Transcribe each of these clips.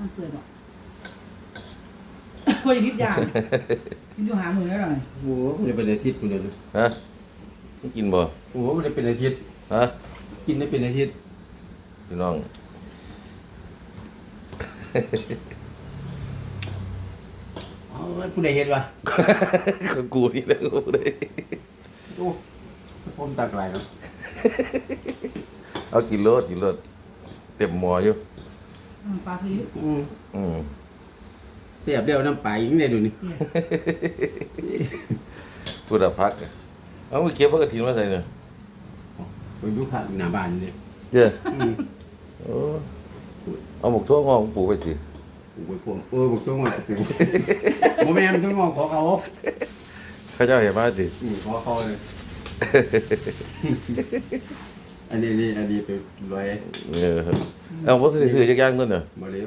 มันเปื่อยบอกพออย่างนิดอย่างกินอยู่หามือแล้วหน่อยโอ้โหมันจะเป็นอาทิตย์คุณเดียวฮะมึงกินบ่โอ้โหมันจะเป็นอาทิตย์ฮะกินได้เป็นอาทิตย์พี่น้องอ๋อผู้ใดเห็นวะก็กูนี่แหละกูเลยโอ้สะพมตากลายเนาะเอากินรสเต็มหม้ออยู่ปลาซีอิ๊วอืมเสียบเดียวน้ำปลายิงได้ดูนี่พูดอะพักอะเอาไปเก็บพักกระถิ่นมาใส่เนี่ยไปดูข้างหน้าบ้านนี่เจ้าอืมโอ้เอาหมกทั่วงอกปลูกไปสิปลูกไปพวงบอกช่วงว่าปลูกโมแม่มันช่วงงอกขอเขาข้าเจ้าเห็นมาสิขอเขาเลยอันนี้ไปรวยเอาผมซื้อจักอย่างตัวเนี่ยมาเร็ว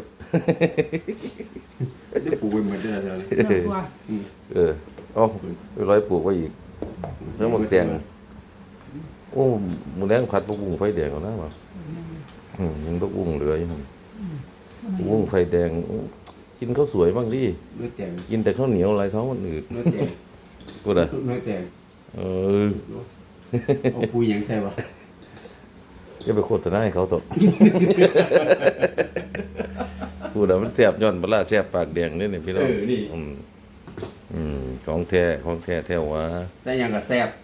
ได้ปลูกไปเหมือนเดิมเลยเนื้อตัวเอาไปร้อยปลูกไว้อีกแล้วหมกแดงโอ้หมูแดงผัดผักบุ้งไฟแดงเอานะมั้งยังผักบุ้งเหลืออยู่มันผักบุ้งไฟแดงกินข้าวสวยบ้างดิเนื้อแตงกินแต่ข้าวเหนียวอะไรเขามันอืดเนื้อแตงกูด่ะเนื้อแตง เอาปุยยังใส่วะจะไปโฆษณาให้เขาตกกูด่ะมันแซ่บย้อนปลาแซ่บปากแดงนี่พี่น้องของแท้แท้วะใส่ยังกับแซ่บ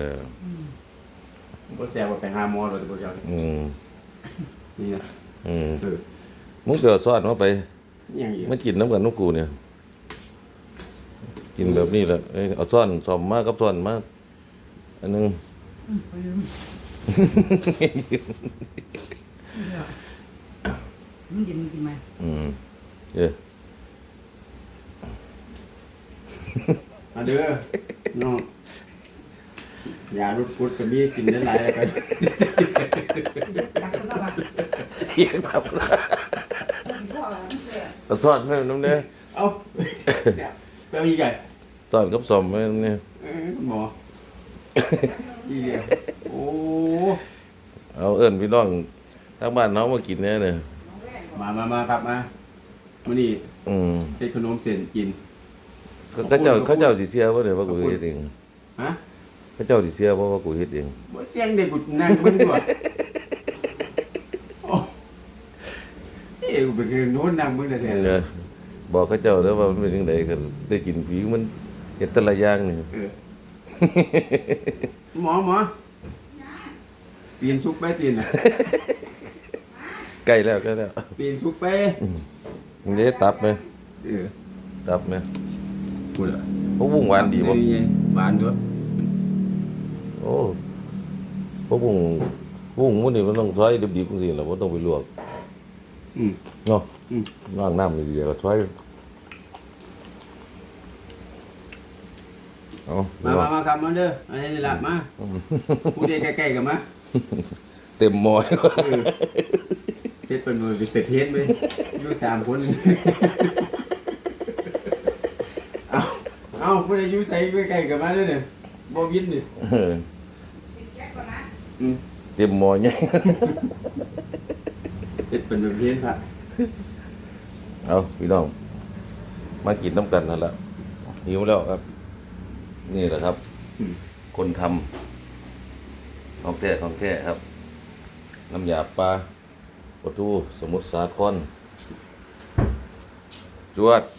บ่แซ่บว่าไปหาหมอเลยบ่อยากนี่นะมึงเกิดซอดมาไปยังอีกมันกินน้ำกันนกกูเนี่ยกินแบบนี้แหละเอาซ่อนซ่อมมากกับซ่อนมากอันนึงมันเย็นมันกินไหมเออเอาเด้อน้องยาลดกรดก็มีกินได้หลายแล้วกันรักก็รักเยังทำเอาซ่อนให้น้ำเนี่ยเอ้าเนี่ยไปเอาอีกไงซ่อนกับซ่อมให้น้ำเนี่ยหมออีกแล้วโอ้เอาเอิ้นพี่น้องทางบ้านน้องมากินแน่เนี่ยมาครับมามื้อนี้เฮ็ดขนมเส้นกินเขาเจ้าสิเสียบ่เนี่ยว่ากูเฮ็ดเองฮะเขาเจ้าสิเสียบ่ว่ากูเฮ็ดเองบ่เสียงเด็กกูนั่งเบิ่งอยู่อ่ะโอ้เอ้ยกูเป็นโน้นนั่งเบิ่งแท้ๆบอกเขาเจ้าแล้วว่ามันเป็นจังไดก็ได้กินฝีมันเฮ็ดแต่ละอย่างนี่หมอเปลี่ยนซุปไปเปลี่ยนอ่ะใกล้แล้วเปลี่ยนซุปไปมึงได้ตับไหม ตับไหมพูดอ่ะพวกบุ้งหวานดีบ่หวานด้วยโอ้พวกบุ้งมันนี่มันต้องซอยดิบๆจังซี่ล่ะบ่ต้องไปลวกเนาะล้างน้ำดีๆก็ซอยเอามาครับมาเด้ออันนี้ล่ะมาพูดได้ใกล้ๆกันมาเต็มหม้อเฮ็ดเป็นมือเป็ดเฮ็ดไปอยู่3คนเอาพูดได้อยู่ใส่ใกล้ๆกันมาเด้อเนี่ยบ่วินนี่เต็มหม้อใหญ่เฮ็ดเป็นแบบเฮ็ดพระเอาพี่น้องมากินน้ำกันนั่นแหละหิวแล้วครับ นี่แหละครับ คนทำของแท้ครับ น้ำยาปลาปลาทูสมุทรสาครจวด